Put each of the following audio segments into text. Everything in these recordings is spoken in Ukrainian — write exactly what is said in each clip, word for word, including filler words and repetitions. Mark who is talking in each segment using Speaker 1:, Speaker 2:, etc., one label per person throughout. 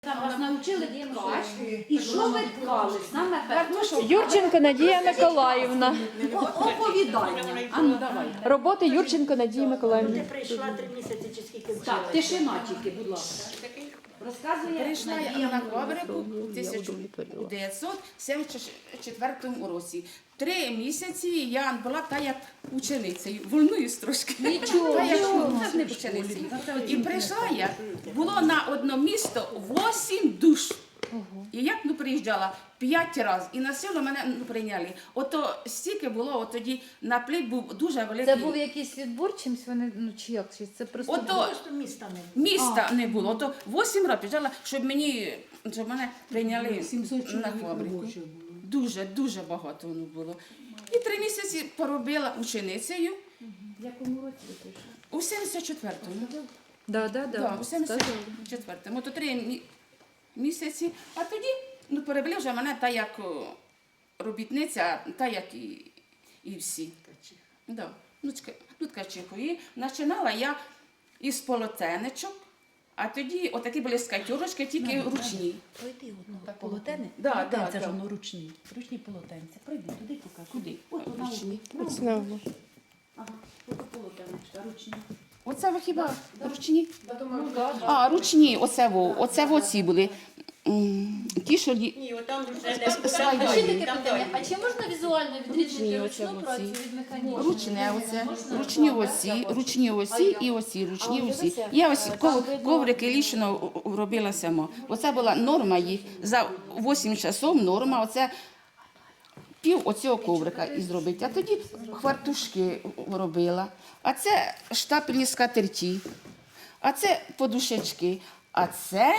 Speaker 1: Там вас навчили ткати. І що ви ткали? Саме перше.
Speaker 2: Юрченко Надія Миколаївна.
Speaker 1: Оповідання. А ну давай.
Speaker 2: Роботи Юрченко Надії Миколаївни.
Speaker 3: Ти прийшла три місяці чи скільки вчила?
Speaker 1: Так, тишина тільки, будь ласка. Розказує
Speaker 4: Прийшла я
Speaker 1: Надія
Speaker 4: на
Speaker 1: Миколаївна.
Speaker 4: фабрику в тисяча дев'ятсот сімдесят четвертому році. Три місяці я була та як ученицею, волнуюсь трошки.
Speaker 1: Нічого,
Speaker 4: Та як
Speaker 1: нічого.
Speaker 4: не ученицею. І прийшла я, було на одне місто вісім душ. І як ну приїжджала п'ять разів, і на село мене ну, прийняли. Ото стільки було, от тоді наплив був дуже великий.
Speaker 5: Це був якийсь відбор чимсь вони, ну чи як? Чи це просто
Speaker 4: Ото
Speaker 3: Просто міста не було.
Speaker 4: міста не було. Ото вісім разів приїжджала, щоб мені, щоб мене прийняли на фабрику. Дуже, дуже багато воно було. І три місяці поробила ученицею
Speaker 1: В якому році ви прийшли?
Speaker 4: у сімдесят четвертому.
Speaker 5: да, да, да.
Speaker 4: Да, у сімдесят четвертому. Ото три мі- місяці, а тоді ну, перевели вже мене та як о, робітниця, та як і, і всі. Да. Ну, чка- ну, ткачиху. І починала я із полотенечок, а тоді отакі були скатюрочки, тільки ручні.
Speaker 6: Пройди одну так полотене.
Speaker 4: Да, да,
Speaker 6: Полотенця
Speaker 4: да.
Speaker 6: ж воно ручні. Ручні полотенця. Пройди, туди покажи.
Speaker 4: Куди?
Speaker 1: От на
Speaker 4: Ручні.
Speaker 1: углу. Ага, ото полотенечка, ручні.
Speaker 4: Оце ви хіба ручні? А, ручні, оце во, оце во ці були. М, Ті, що лі-
Speaker 3: Ні, отам вже
Speaker 5: А ще
Speaker 4: слайдові.
Speaker 5: таке питання, а чи можна візуально відрізнити
Speaker 4: оце
Speaker 5: ручну
Speaker 4: оці.
Speaker 5: працю від механічної?
Speaker 4: Ручне оце, ручні осі, ручні осі і осі, ручні осі. Я ось ков- коврики лічно робила сама. Оце була норма їх. За вісім часов норма, оце пів оцього коврика і зробити. А тоді хвартушки робила. А це штапельні скатерті. А це подушечки. А це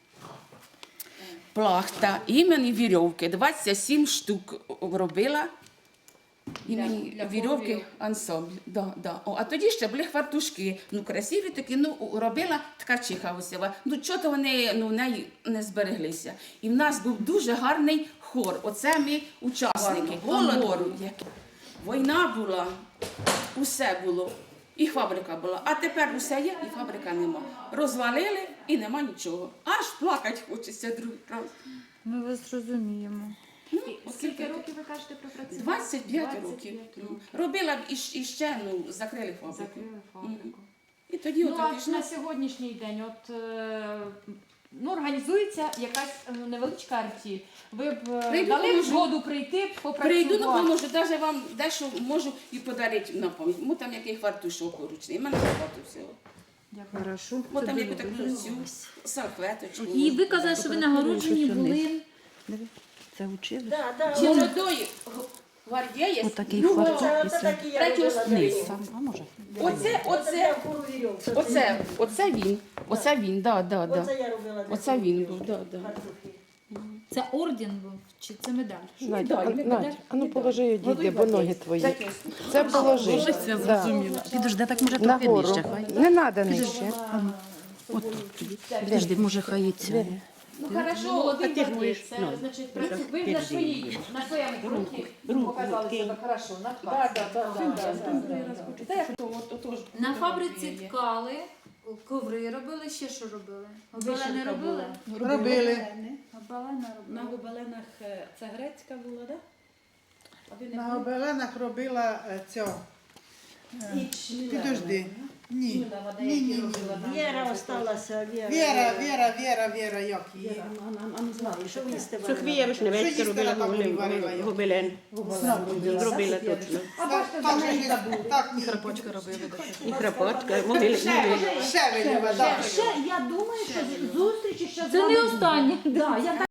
Speaker 4: плахта, імені вірьовки. двадцять сім штук робила. Імені вірьовки ансамбль. Да, да. О, а тоді ще були хвартушки. Ну, красиві такі, ну, робила ткачиха усіла. Ну, чого-то вони ну, в неї не збереглися. І в нас був дуже гарний хор. Оце ми учасники. Голод, війна була, усе було. І фабрика була. А тепер усе є, і фабрика нема. Розвалили, і нема нічого. Аж плакати хочеться другий раз.
Speaker 5: Ми вас розуміємо.
Speaker 4: Ну,
Speaker 1: Скільки років ви кажете пропрацювали?
Speaker 4: двадцять п'ять років. Ну, робила б і, щ- і ще, ну, закрили фабрику.
Speaker 1: Закрили фабрику.
Speaker 4: І тоді
Speaker 1: Ну,
Speaker 4: от
Speaker 1: а
Speaker 4: пішла.
Speaker 1: на сьогоднішній день от, е, ну, організується якась е, невеличка артіль. Ви б е,
Speaker 4: Прийду,
Speaker 1: дали б
Speaker 4: поможу.
Speaker 1: згоду прийти, попрацювати?
Speaker 4: Прийду, допоможу, навіть вам дещо можу і подарити на пам'ять. Мо там який хвартушок ручний, в мене багато всього.
Speaker 5: Хорошо.
Speaker 4: Мо там яку таку цю салфеточку.
Speaker 5: І ви казали, що ви нагороджені були.
Speaker 6: Це учили?
Speaker 3: Да, да.
Speaker 4: Молодої гвардії.
Speaker 6: Отакий
Speaker 4: другого-
Speaker 6: фартух.
Speaker 3: Це оце такі я
Speaker 4: Третього
Speaker 3: робила.
Speaker 4: низ.
Speaker 6: А може?
Speaker 4: Оце, оце, оце, оце він. Оце він, да, да, да.
Speaker 3: Оце я робила.
Speaker 4: Оце він був, да, да.
Speaker 5: Це орден був, чи це медаль?
Speaker 2: Надя, а,
Speaker 4: Медаль,
Speaker 2: Надя, а ну положи її, діді, бо ноги твої.
Speaker 4: Таке.
Speaker 2: Це положи.
Speaker 6: Це
Speaker 2: Да.
Speaker 6: зрозуміло. Підожди, так може трохи
Speaker 2: Нагору.
Speaker 6: нижче. Хай.
Speaker 2: Не треба нижче.
Speaker 6: От тут тобі. Підожди, може хай і це.
Speaker 1: Ну, хорошо, молодий гвардієць, це, значить, ви на своїй, на своєму фронті показали себе хорошо, на
Speaker 4: Да, да, да, да, да, да, да. Та як то, от, отож,
Speaker 5: На фабриці ткали, коври робили, ще що робили? Гобелени робили?
Speaker 7: Робили.
Speaker 5: Гобелени
Speaker 8: На
Speaker 5: робили.
Speaker 8: гобеленах е, це грецька була, так? А ви не
Speaker 7: На
Speaker 8: були?
Speaker 7: гобеленах робила е, цього. Е, Підожди. Ні. Ні, ні, ні.
Speaker 3: Віра осталася, Віра.
Speaker 7: Віра, Віра, Віра, Віра, як її.
Speaker 8: А ну знаю,
Speaker 3: Що ви їсти
Speaker 9: Софія Вишневецька
Speaker 7: Що їсти
Speaker 9: робила
Speaker 7: на таборі варила
Speaker 9: гобелен.
Speaker 7: я?
Speaker 9: Гобелен. Зробила точно.
Speaker 7: Так, так, же їсти. Так, ні.
Speaker 9: І храпочка, могили.
Speaker 7: Ще виліва, так.
Speaker 1: Ще, я думаю, що зустрічі ще з
Speaker 5: Це
Speaker 1: вами
Speaker 5: не
Speaker 1: будуть.
Speaker 5: останнє.
Speaker 1: Да, я